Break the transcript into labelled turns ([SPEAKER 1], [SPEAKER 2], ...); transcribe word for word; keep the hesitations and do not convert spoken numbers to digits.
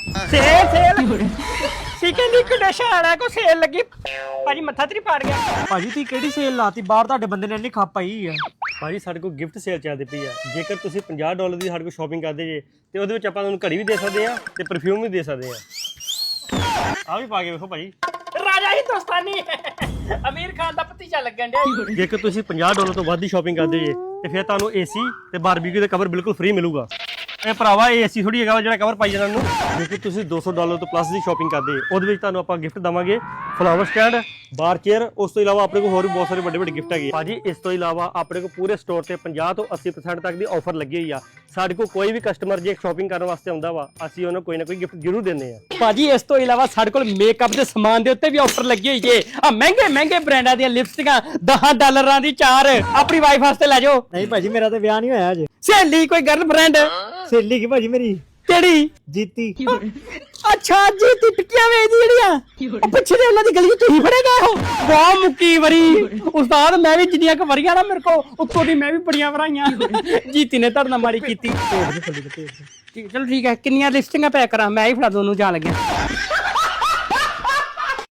[SPEAKER 1] Sale sale ਸਿਕਨ ਦੀ condition ਆ ਕੋ ਸੇਲ ਲੱਗੀ ਭਾਜੀ ਮੱਥਾ ਤੇਰੀ ਪਾੜ ਗਿਆ।
[SPEAKER 2] ਭਾਜੀ ਤੁਸੀਂ ਕਿਹੜੀ ਸੇਲ ਲਾਤੀ ਬਾਹਰ ਤੁਹਾਡੇ ਬੰਦੇ ਨੇ ਇੰਨੀ ਖੱਪ ਪਾਈ ਆ।
[SPEAKER 3] ਭਾਜੀ ਸਾਡੇ ਕੋਲ ਗਿਫਟ ਸੇਲ ਚੱਲਦੀ ਪਈ ਆ। ਜੇਕਰ ਤੁਸੀਂ ਪੰਜਾਹ ਡਾਲਰ ਦੀ ਸਾਡੇ ਕੋਲ ਸ਼ਾਪਿੰਗ ਕਰਦੇ ਜੇ ਤੇ ਉਹਦੇ ਵਿੱਚ ਆਪਾਂ ਤੁਹਾਨੂੰ ਘੜੀ ਵੀ ਦੇ ਸਕਦੇ ਆ ਤੇ ਪਰਫਿਊਮ ਵੀ ਦੇ ਸਕਦੇ ਆ। ਆ ਵੀ ਪਾ ਕੇ ਵੇਖੋ ਭਾਜੀ,
[SPEAKER 1] ਰਾਜਾ ਹਿੰਦੁਸਤਾਨੀ ਅਮੀਰ ਖਾਨ ਦਾ ਭਤੀਜਾ ਲੱਗਣ ਡਿਆ।
[SPEAKER 3] ਜੇਕਰ ਤੁਸੀਂ ਪੰਜਾਹ ਡਾਲਰ ਤੋਂ ਵੱਧ ਦੀ ਸ਼ਾਪਿੰਗ ਕਰਦੇ ਜੇ ਤੇ ਫਿਰ ਤੁਹਾਨੂੰ ਏਸੀ ਤੇ ਬਾਰਬੀਕਿਊ ਦਾ ਕਵਰ ਬਿਲਕੁਲ ਫ੍ਰੀ ਮਿਲੂਗਾ। ਇਹ ਭਰਾਵਾ ਇਹ ਏਸੀ ਥੋੜੀ ਹੈਗਾ ਜਿਹੜਾ ਕਵਰ ਪਾਈ ਜਾਣ ਨੂੰ। ਜੇਕਰ ਤੁਸੀਂ ਦੋ ਸੌ ਡਾਲਰ ਤੋਂ ਪਲੱਸ ਦੀ ਸ਼ਾਪਿੰਗ ਕਰਦੇ ਉਹਦੇ ਵਿੱਚ ਤੁਹਾਨੂੰ ਆਪਾਂ ਗਿਫਟ ਦਵਾਂਗੇ ਫਲਾਵਰ ਸਟੈਂਡ, ਬਾਰ ਚੇਅਰ। ਉਸ ਤੋਂ ਇਲਾਵਾ ਆਪਣੇ ਕੋਲ ਹੋਰ ਵੀ ਬਹੁਤ ਸਾਰੇ ਵੱਡੇ ਵੱਡੇ ਗਿਫਟ ਹੈਗੇ ਭਾਜੀ। ਇਸ ਤੋਂ ਇਲਾਵਾ ਆਪਣੇ ਕੋਲ ਪੂਰੇ ਸਟੋਰ ਤੇ ਪੰਜਾਹ ਤੋਂ ਅੱਸੀ ਪਰਸੈਂਟ ਤੱਕ ਦੀ ਆਫਰ ਲੱਗੀ ਹੋਈ ਆ। ਸਾਡੇ ਕੋਲ ਕੋਈ ਵੀ ਕਸਟਮਰ ਜੇ ਸ਼ਾਪਿੰਗ ਕਰਨ ਵਾਸਤੇ ਆਉਂਦਾ ਵਾ ਅਸੀਂ ਉਹਨੂੰ ਕੋਈ ਨਾ ਕੋਈ ਗਿਫਟ ਜ਼ਰੂਰ ਦਿੰਦੇ ਆ।
[SPEAKER 1] ਭਾਜੀ ਇਸ ਤੋਂ ਇਲਾਵਾ ਸਾਡੇ ਕੋਲ ਮੇਕਅਪ ਦੇ ਸਮਾਨ ਦੇ ਉੱਤੇ ਵੀ ਆਫਰ ਲੱਗੀ ਹੋਈ ਏ। ਆ ਮਹਿੰਗੇ ਮਹਿੰਗੇ ਬ੍ਰਾਂਡਾਂ ਦੀਆਂ ਲਿਪਸਟਿਕਾਂ ਦਸ ਡਾਲਰਾਂ ਦੀ ਚਾਰ ਆਪਣੀ ਵਾਈਫ ਵਾਸਤੇ ਲੈ ਜਾਓ।
[SPEAKER 2] ਨਹੀਂ ਭਾਜੀ ਮੇਰਾ ਤਾਂ ਵਿਆਹ ਨਹੀਂ ਹੋਇਆ ਅਜੇ।
[SPEAKER 1] ਸਹੇਲੀ ਕੋਈ ਗਰਲਫ੍ਰੈਂਡ
[SPEAKER 2] ਸਹੇਲੀ ਕੀ ਭਾਜੀ ਮੇਰੀ
[SPEAKER 1] ਕਿਹੜੀ?
[SPEAKER 2] ਜੀਤੀ।
[SPEAKER 1] ਅੱਛਾ ਜੀ ਟਿੱਕੀਆਂ ਵੇਚਦੀ ਜਿਹੜੀਆਂ ਉਹ ਪਿੱਛੇ ਦੇ ਉਹਨਾਂ ਦੀ ਗਲੀ ਤੁਸੀਂ ਫੜੇ ਗਏ ਹੋ। ਬਹੁਤ ਮੁੱਕੀ ਵਰੀ ਉਸਤਾਦ, ਮੈਂ ਵੀ ਜਿੰਨੀਆਂ ਕੁ ਵਰੀਆਂ ਨਾ ਮੇਰੇ ਕੋ ਉੱਤੋਂ ਦੀ ਮੈਂ ਵੀ ਬੜੀਆਂ ਵਰਾਈਆਂ। ਜੀਤੀ ਨੇ ਧਰਨਾ ਮਾਰੀ ਕੀਤੀ। ਚਲੋ ਠੀਕ ਹੈ, ਕਿੰਨੀਆਂ ਲਿਸਟਿੰਗਾਂ ਪੈਕ ਕਰਾਂ? ਮੈਂ ਹੀ ਫੜਾ ਦੋਨੂੰ ਜਾਣ ਲੱਗਿਆ।